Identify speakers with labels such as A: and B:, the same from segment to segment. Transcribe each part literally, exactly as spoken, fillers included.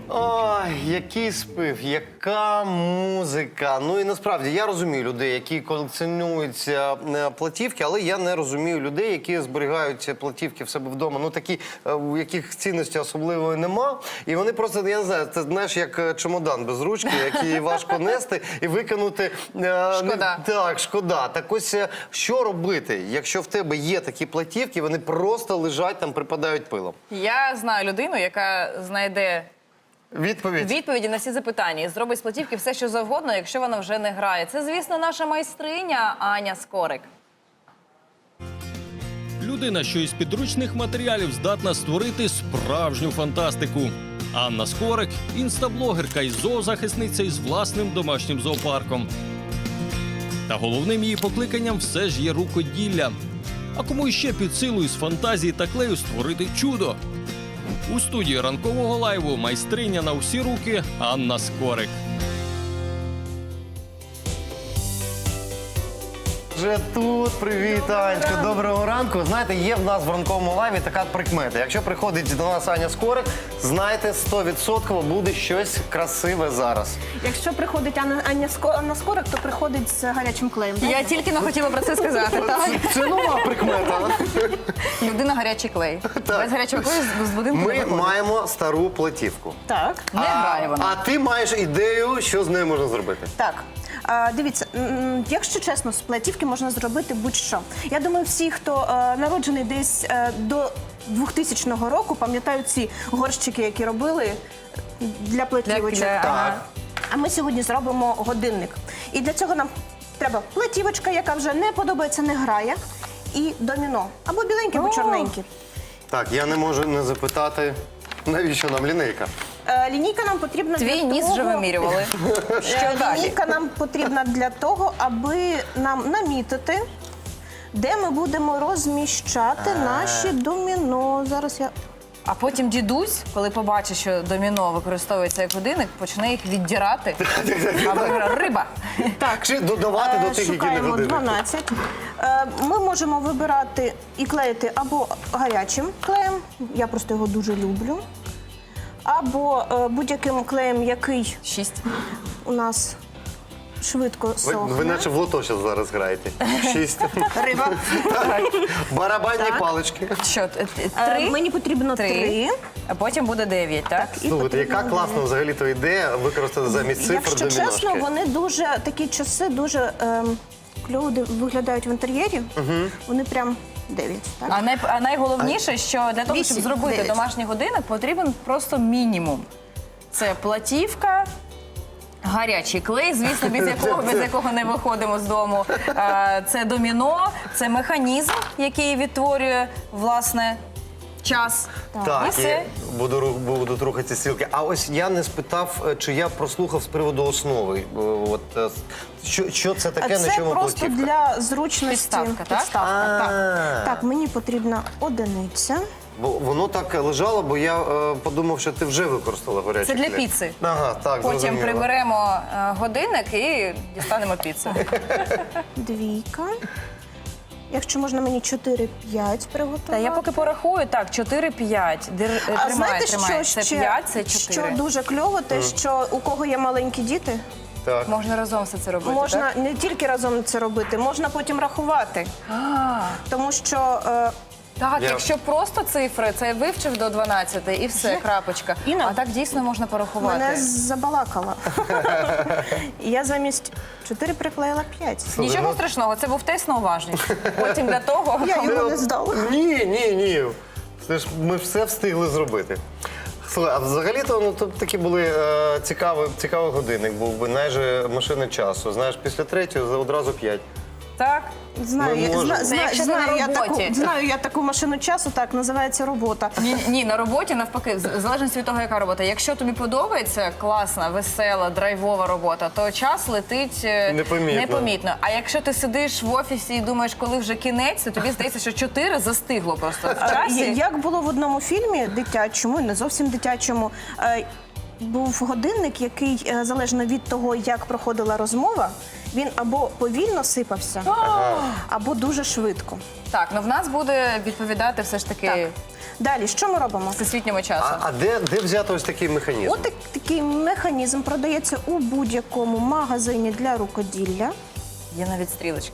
A: Ой, який спів, яка музика. Ну і насправді я розумію людей, які колекціонують е, платівки, але я не розумію людей, які зберігають платівки в себе вдома. Ну такі, е, у яких цінності особливої нема. І вони просто, я не знаю, це знаєш, як чемодан без ручки, який важко нести і викинути. Е,
B: Шкода.
A: Не, так, шкода. Так ось, е, що робити, якщо в тебе є такі платівки, вони просто лежать там, припадають пилом?
B: Я знаю людину, яка знайде
A: Відповідь.
B: відповіді на всі запитання і зробить з платівки все, що завгодно, якщо вона вже не грає. Це, звісно, наша майстриня Аня Скорик.
C: Людина, що із підручних матеріалів здатна створити справжню фантастику. Анна Скорик – інстаблогерка і зоозахисниця із власним домашнім зоопарком. Та головним її покликанням все ж є рукоділля. А кому іще під силу із фантазії та клею створити чудо? У студії ранкового лайву майстриня на всі руки Анна Скорик.
A: Вже тут, привіт, Анечка, доброго ранку. Знаєте, є в нас в ранковому лайві така прикмета. Якщо приходить до нас Аня Скорик, знайте, сто відсотків буде щось красиве зараз.
D: Якщо приходить Анна, Аня Ско- Анна Скорик, то приходить з гарячим клеєм.
B: Я тільки не хотіла про це сказати. Так?
A: Це нова прикмета.
B: Людина гарячий клей. Без гарячого клею з будинку не
A: Ми
B: виходить.
A: маємо стару платівку.
D: Так,
B: Не грає вона.
A: А ти маєш ідею, що з нею можна зробити?
D: так. А, дивіться, м, якщо чесно, з платівки можна зробити будь-що. Я думаю, всі, хто е, народжений десь е, до двохтисячного року, пам'ятають ці горщики, які робили для платівочок.
B: для- ага.
D: А ми сьогодні зробимо годинник. І для цього нам треба платівочка, яка вже не подобається, не грає, і доміно. Або біленьке, або
B: О!
D: чорненьке.
A: Так, я не можу не запитати, навіщо нам лінейка?
D: Е, Лінійка нам потрібна
B: Твій
D: для
B: ніс
D: того...
B: вже вимірювали. Що
D: Е,
B: далі?
D: Лінійка нам потрібна для того, аби нам намітити, де ми будемо розміщати наші доміно. Зараз я...
B: А потім дідусь, коли побачить, що доміно використовується як годинник, почне їх віддірати. А виграє риба.
D: Так,
A: Чи додавати до
D: е,
A: тих, які не
D: шукаємо
A: години?
D: дванадцять. Е, Ми можемо вибирати і клеїти або гарячим клеєм, я просто його дуже люблю, або е, будь-яким клеєм, який
B: Шість.
D: у нас швидко
A: Ви,
D: сохне.
A: ви наче в лото зараз зараз граєте. Шість.
D: Риба.
A: Барабанні
D: Так.
A: палички.
B: Що, т- т-
D: Е,
B: три?
D: Мені потрібно
B: Три.
D: три.
B: А потім буде дев'ять, так?
D: І
A: Слухайте, яка
D: потрібно
A: класна взагалі то ідея використати замість цифр
D: Якщо
A: доміношки.
D: чесно, вони дуже такі часи дуже ем, кльово ди- виглядають в інтер'єрі. Вони прям дев'ять. Так?
B: А, най, а найголовніше, що для того, щоб
D: Вісім,
B: зробити
D: дев'ять.
B: домашній годинник, потрібен просто мінімум. Це платівка, гарячий клей, звісно, без якого, без якого не виходимо з дому. А, це доміно, це механізм, який відтворює, власне, час. І
A: Так,
B: все.
A: і буду, ру- будуть рухатися стрілки. А ось я не спитав, е, чи я прослухав з приводу основи. Е, От, е, що, що це таке, на
D: Це
A: чому
D: просто
A: платівка?
D: для зручності.
B: Підставка, так?
D: Підставка, так.
A: А.
D: Так, мені потрібна одиниця.
A: Бо воно так лежало, бо я е, подумав, що ти вже використала гарячий
B: Це для
A: клей.
B: піци.
A: Ага, так,
B: Потім
A: зрозуміло.
B: приберемо е, годинник і дістанемо піцу.
D: Двійка. Якщо можна мені чотири-п'ять приготувати.
B: Та я поки порахую, так, чотири-п'ять. Дир-
D: А
B: Тримай,
D: знаєте,
B: тримай.
D: що
B: Це
D: ще,
B: п'ять, це
D: що
B: чотири.
D: дуже кльово, те, що у кого є маленькі діти,
A: Так.
B: Можна разом все це робити,
D: можна
B: так?
D: не тільки разом це робити, можна потім рахувати.
B: А,
D: Тому що е,
B: так,
A: Я-
B: якщо просто цифри, це вивчив до дванадцяти і все, крапочка.
D: Інна,
B: А так дійсно можна порахувати.
D: мене забалакала. Я замість чотири приклеїла п'ять.
B: Нічого страшного, це був тест на уважність. Потім для того...
D: Я його не здала.
A: Ні, ні, ні. Це ж ми все встигли зробити. Слухай, а взагалі-то ну, то такі були е, цікавий, цікавий годинник був би, майже машини часу. Знаєш, після третього за- одразу п'ять.
B: Так?
D: Знаю,
A: Ми
D: я,
A: можемо.
D: зна,
B: Це
D: знаю,
B: якщо ти
D: знаю,
B: на
D: я таку,
B: роботі.
D: знаю я таку машину часу, так, називається робота.
B: Ні, ні, на роботі навпаки, в залежності від того, яка робота. Якщо тобі подобається класна, весела, драйвова робота, то час летить е,
A: Непомітно.
B: непомітно. А якщо ти сидиш в офісі і думаєш, коли вже кінець, то тобі здається, що чотири застигло просто в
D: А,
B: часі.
D: Як було в одному фільмі дитячому, не зовсім дитячому, е, був годинник, який е, залежно від того, як проходила розмова, він або повільно сипався, або дуже швидко.
B: Так, ну в нас буде відповідати все ж таки
D: Так. Далі, що ми робимо?
B: всесвітньому часу.
A: А, а де, де взяти ось такий механізм?
D: От так- такий механізм продається у будь-якому магазині для рукоділля.
B: Є навіть стрілочки.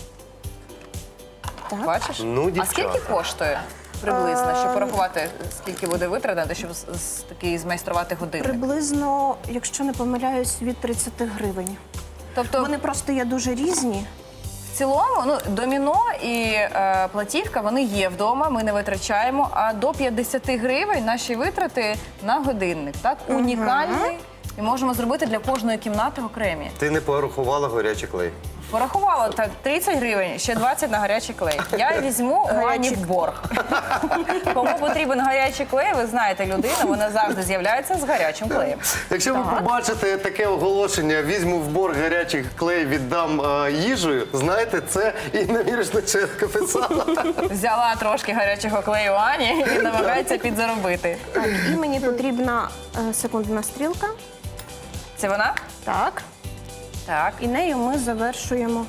D: Так.
B: Бачиш?
A: Ну,
B: а
A: дівчата.
B: скільки коштує приблизно,
D: Ем.
B: щоб порахувати, скільки буде витратити, щоб з- з- такий змайструвати годинник?
D: Приблизно, якщо не помиляюсь, від тридцять гривень.
B: Тобто,
D: Вони просто є дуже різні.
B: в цілому, ну, доміно і е, платівка, вони є вдома, ми не витрачаємо, а до п'ятдесят гривень наші витрати на годинник, так? Унікальний. І можемо зробити для кожної кімнати окремі.
A: Ти не порахувала горячий клей.
B: Порахувала так тридцять гривень, ще двадцять на гарячий клей. Я візьму у Ані
D: Гарячий.
B: в борг. Кому потрібен гарячий клей, ви знаєте людину, вона завжди з'являється з гарячим клеєм.
A: Якщо ви побачите таке оголошення, візьму в борг гарячий клей, віддам е, їжею, знаєте, це Інна Мірошниченко писала.
B: Взяла трошки гарячого клею Ані і намагається підзаробити.
D: Так, і мені потрібна е, секундна стрілка.
B: Це вона?
D: Так.
B: Так.
D: І нею ми завершуємо.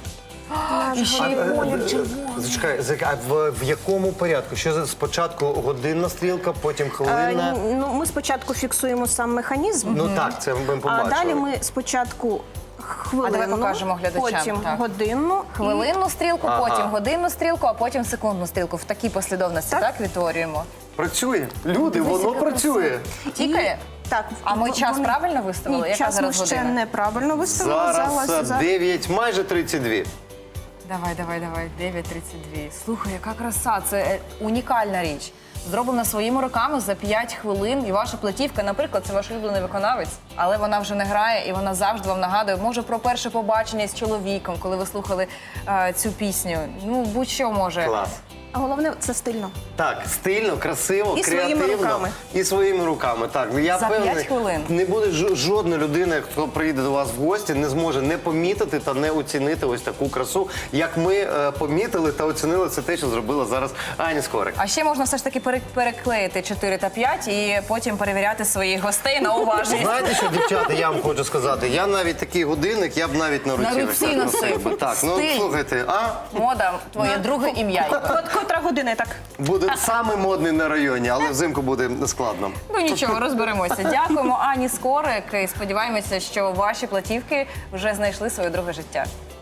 B: І ще й колір червоний.
A: Зачекай, зак- а в, в якому порядку? Що за- спочатку годинна стрілка, потім
D: Е,
A: хвилина?
D: ну, ми спочатку фіксуємо сам механізм,
A: Ну так, це ми
D: а
A: побачили.
D: далі ми спочатку хвилину,
B: А давай покажемо глядачам,
D: потім
B: так.
D: годинну. і-
B: Хвилинну стрілку,
A: Ага.
B: потім годинну стрілку, а потім секундну стрілку. В такій послідовності, так,
D: Так.
B: відтворюємо.
A: Працює. Люди, воно
B: яка
A: працює.
B: Тікає?
D: Так,
B: А ми
D: в-
B: час
D: вони-
B: правильно виставили?
D: Ні,
B: Яка
D: час
B: зараз
D: ми ще
B: година?
D: неправильно виставили.
A: Зараз е,
D: за-
A: дев'ять, майже тридцять два.
B: Давай, давай, давай, дев'ять тридцять два. Слухай, яка краса, це е, унікальна річ. Зроблена своїми руками за п'ять хвилин. І ваша платівка, наприклад, це ваш улюблений виконавець, але вона вже не грає і вона завжди вам нагадує, може, про перше побачення з чоловіком, коли ви слухали е, цю пісню. Ну, будь-що може.
A: Клас.
D: А головне, це стильно.
A: Так, стильно, красиво,
D: І своїми
A: креативно.
D: руками.
A: І своїми руками. Так, ну, я
B: За п'ять
A: певний,
B: хвилин.
A: не буде ж- жодна людина, хто приїде до вас в гості, не зможе не помітити та не оцінити ось таку красу, як ми е, помітили та оцінили це те, що зробила зараз Аня Скорик.
B: А ще можна все ж таки пере- переклеїти чотири та п'ять і потім перевіряти своїх гостей на уважність.
A: Знаєте, що, дівчата, я вам хочу сказати, я навіть такий годинник, я б навіть на руці,
B: На
A: ось
B: руці
A: так
B: носив.
A: би. Так, ну
B: Стиль.
A: слухайте, а
B: Мода, твоє друге ім'я.
D: От котра година, так?
A: буде саме модний на районі, але взимку буде складно.
B: Ну нічого, розберемося. Дякуємо Ані Скорик і сподіваємося, що ваші платівки вже знайшли своє друге життя.